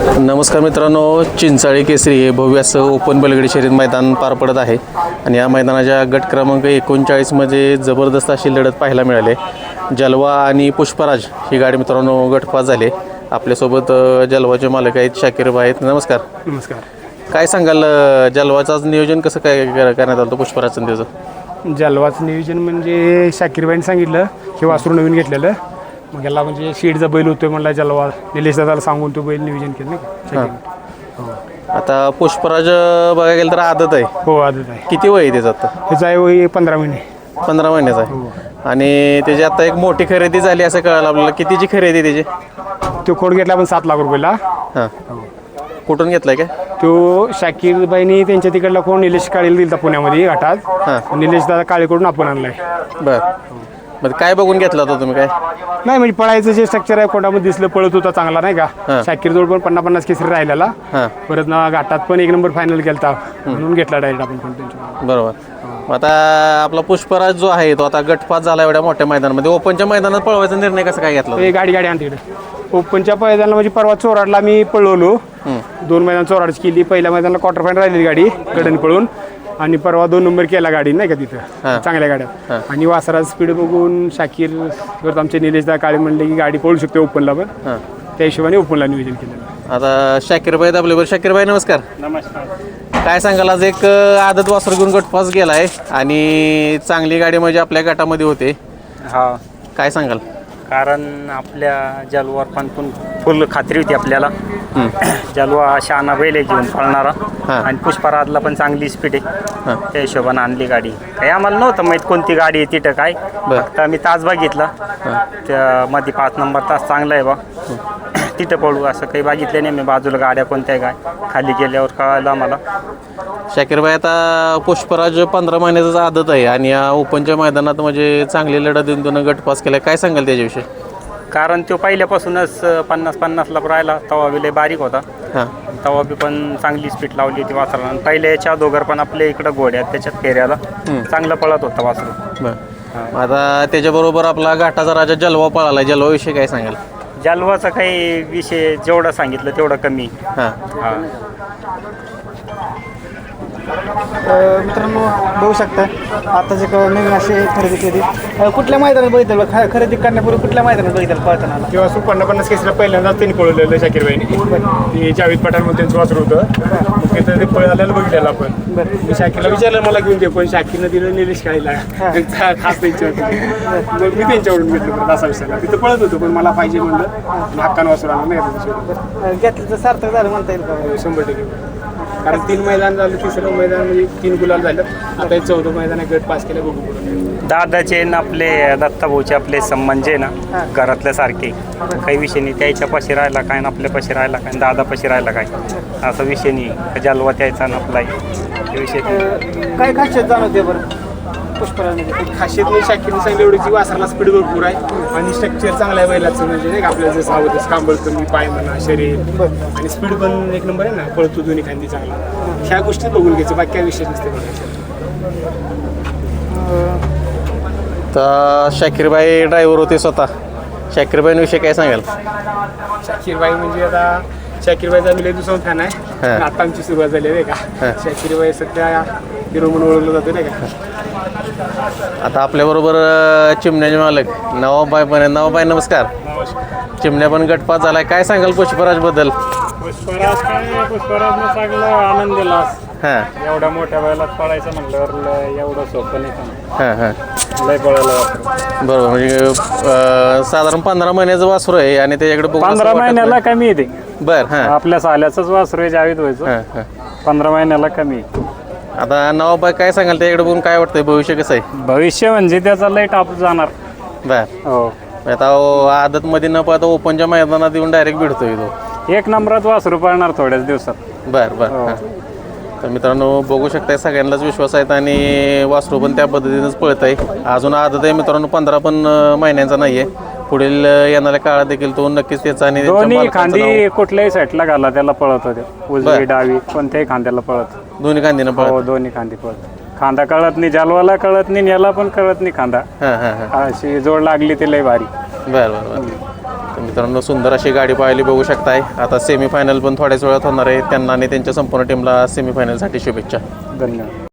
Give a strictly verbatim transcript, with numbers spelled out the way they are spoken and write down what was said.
नमस्कार मित्रांनो, चिंचाळी केसरी हे भव्य असं ओपन बैलगाडी शर्यत मैदान पार पडत आहे आणि या मैदानाच्या गट क्रमांक एकोणचाळीसमध्ये जबरदस्त अशी लढत पाहायला मिळाली. जलवा आणि पुष्पराज ही गाडी मित्रांनो गटपास झाली. आपल्यासोबत जलवाचे मालक आहेत, शाकीर भाई आहेत. नमस्कार. नमस्कार. काय सांगाल, जलवाचं नियोजन कसं काय करण्यात आलं होतं पुष्पराजचं त्याचं? जलवाचं नियोजन म्हणजे शाकीरबाईंनी सांगितलं की वासरू नवीन घेतलेलं, मग याला म्हणजे शीडचा बैल होतोय म्हणला जलवा, निलेश दादाला सांगून तो बैल नियोजन केलं नाही का. आता पुष्पराज बघायला गेलं तर आदत आहे. हो आदत आहे. किती वय आहे त्याचं आता? ह्याचा आहे वय पंधरा महिने. पंधरा महिन्याचा आहे. आणि त्याची आता एक मोठी खरेदी झाली असं कळालं आपल्याला. कितीची खरेदी त्याची? तो खोड घेतला आपण सात लाख रुपयाला. हां, कुठून घेतलाय काय तो? शाकीरबाईंनी त्यांच्या तिकडला कोण निलेश काळेला दिलता पुण्यामध्ये घाटात. हां, निलेश दादा काळेकडून आपण आणलाय. बरं. मग काय बघून घेतला होता तुम्ही? काय नाही म्हणजे पळायचं जे स्ट्रक्चर आहे कोणामध्ये दिसलं, पळत होता चांगला नाही का. शाकीर जोड पण पन्नास पन्नास केसरी राहिलेला. हां, परत ना घाटात पण एक नंबर फायनल केलता, म्हणून घेतला डायरेक्ट आपण पण त्यांच्या. बरोबर. मग आता आपला पुष्पराज जो आहे तो आता गटपास झाला एवढ्या मोठ्या मैदानामध्ये. ओपनच्या मैदानात पळवायचा निर्णय कसा काय घेतला? ते गाडी गाडी आणते इकडे ओपनच्या मैदानाला. म्हणजे परवा चोराडला मी पळवलो, दोन मैदान चोराडची केली. पहिल्या मैदानाला क्वार्टर फायनल राहिली गाडी कडन पळून, आणि परवा दोन नंबर केला गाडी नाही का तिथं चांगल्या गाड्या. आणि वासराज स्पीड बघून शाकीर परत आमचे निलेशदा काळे म्हणले की गाडी पळू शकते ओपनला पण. त्या हिशोबाने ओपनला नियोजन केलं. आता शाकीरबाई आपल्याबरोबर. शाकीरबाई नमस्कार. नमस्कार. काय सांगाल, आज एक आदत वासर घेऊन गटपास गेलाय आणि चांगली गाडी म्हणजे आपल्या गटामध्ये होते. हा, काय सांगाल? कारण आपल्या जलवार पण पण फुल खात्री होती आपल्याला. जलवा शहाणा बैल आहे घेऊन पळणारा, आणि पुष्पराजला पण चांगली स्पीड आहे. त्या हिशोबाने आणली गाडी. काही आम्हाला नव्हतं माहीत कोणती गाडी आहे तिथं काय. फक्त आम्ही तास बघितला, त्यामध्ये पाच नंबर तास चांगला आहे बा, तिथं पळू असं काही बघितलं नाही मी. बाजूला गाड्या कोणत्या काय खाली गेल्यावर कळालं आम्हाला. शाकीरबाई, आता पुष्पराज पंधरा महिन्याचा आदत आहे आणि या ओपनच्या मैदानात म्हणजे चांगली लढत देऊन दोन गटपास केला. काय सांगाल त्याच्याविषयी? कारण तो पहिल्यापासूनच पन्नास पन्नासला राहिला, तवा बी लय बारीक होता. हां, तवा बी पण चांगली स्पीड लावली होती वासराला. पहिल्या याच्या दोघर पण आपल्या इकडं घोड्यात त्याच्यात फेऱ्याला चांगला पळत होता वासरू. बरं. आता त्याच्याबरोबर आपला घाटाचा राजा जलवा पळाला. जलवाविषयी काय सांगाल? जलवाचा काही विषय जेवढं सांगितलं तेवढं कमी. हां हां, मित्रांनो बघू शकता आता जे नवीन असे खरेदी केली. कुठल्या मैदानात बघितलं ख खरेदी करण्यापूर्वी कुठल्या मैदानात बघितलं पळताना? किंवा सु पन्नास पन्नास केसरीला पहिल्यांदाच त्यांनी पळवलेलं शाकीरबाईंनी. ते जावेद पठाणमध्ये त्यांचं वासरू होतं. मग तिथं ते पळाल्याला बघितलेलं आपण. मी शाकीरला विचारलं मला घेऊन दे, पण शाकीरनं दिलं निलेश काळीला. त्यांचा खास त्यांच्या होती. मग मी त्यांच्याकडून घेतलं असा विषयाला. तिथं पळत होतो पण मला पाहिजे म्हणलं, हक्कानं वासरू आलं नाही. घेतलं तर सार्थक झालं म्हणता येईल का? शंभर टक्के. कारण तीन मैदान झालं, तिसरं मैदान म्हणजे तीन गुलाल झालं. आता हे चौथं मैदान आहे, गट पास केलं. बघू पुढं दादाचे न आपले दत्ताभाऊचे आपले संबंध आहे ना घरातल्या सारखे. काही विषय नाही, त्याच्या पाशी राहिला काय ना आपल्या पाशी राहिला काय, दादा पाशी राहिला काय, असा विषय नाही. जलवा त्याचा ना आपला विषय. काय खासियत जाणवते बरं पुष्पराजमध्ये? खासियत नाही शाकीरने सांगितलं एवढी की वासराला स्पीड भरपूर आहे आणि स्ट्रक्चर चांगलं आहे बैलाचं. म्हणजे नाही का आपल्याला जसं हवं तसं कांबळ कमी, पाय म्हणा, शरीर आणि स्पीड पण एक नंबर आहे ना. पळतो दोन्ही खांदी चांगला. ह्या गोष्टी बघून घ्यायचं, बाकी काय विषय नसते बघायचं. तर शाकीरबाई ड्रायव्हर होते स्वतः. शाकीरबाईंविषयी काय सांगाल? शाकीरबाई म्हणजे आता शाकीरबाईचा मी लय दुसरा फॅन आहे. आता आमची सुरुवात झाली आहे का. शाकीरबाई सध्या हिरो म्हणून ओळखलं जातं नाही का. आता आपल्याबरोबर चिमण्याचे मालक नवाबाई पण आहे. नवाबाई नमस्कार. चिमण्या पण गटपास झालाय. काय सांगाल पुष्पराजबद्दल? पुष्पराज काय, पुष्पराजनं चांगला आनंद दिला. हां, एवढ्या मोठ्या बैलात पळायचं म्हटल्यावर एवढं सोपं नाही का. हां हां लय पळायला वाटतं. बरोबर. म्हणजे अं, साधारण पंधरा महिन्याचं वासरू आहे आणि त्याच्याकडे बघून असं पंधरा वाटत महिन्याला नाही. कमी येते. बरं. हां आपल्या साल्याचंच वासरू आहे जावेद व्हायचं. हां हां पंधरा महिन्याला कमी. आता नवाबाई काय सांगाल त्याच्याकडे बघून? काय वाटतंय भविष्य कसं आहे? भविष्य म्हणजे त्याचा लय टाप जाणार. बरं. हो, आता आदतमध्ये न पाहता ओपनच्या मैदानात येऊन डायरेक्ट भेटतोय तो. एक नंबरात वासरू पळणार थोड्याच दिवसात. बरं बरं. हां. तर मित्रांनो बघू शकताय, सगळ्यांनाच विश्वास आहेत आणि वासरू पण त्या पद्धतीनेच पळत आहे. अजून आदत आहे मित्रांनो, पंधरा पण महिन्यांचा नाही आहे. पुढील येणाऱ्या काळात देखील तो नक्कीच त्याचा आणि दोन्ही खांदी कुठल्याही साईडला घाला त्याला पळत होते. उजवी डावी कोणत्याही खांद्याला पळत. दोन्ही खांदीनं हो, पळत. दोन्ही खांदी पळत. खांदा कळत नाही, जालवाला कळत नाही, याला पण कळत नाही खांदा. हां हां हां अशी जोड लागली ती लय भारी. बरं बरं बरं. मित्रांनो सुंदर अशी गाडी पाहायला बघू शकताय. आता सेमीफायनल पण थोड्याच वेळात होणार आहे. त्यांना आणि त्यांच्या संपूर्ण टीमला सेमीफायनलसाठी शुभेच्छा. धन्यवाद.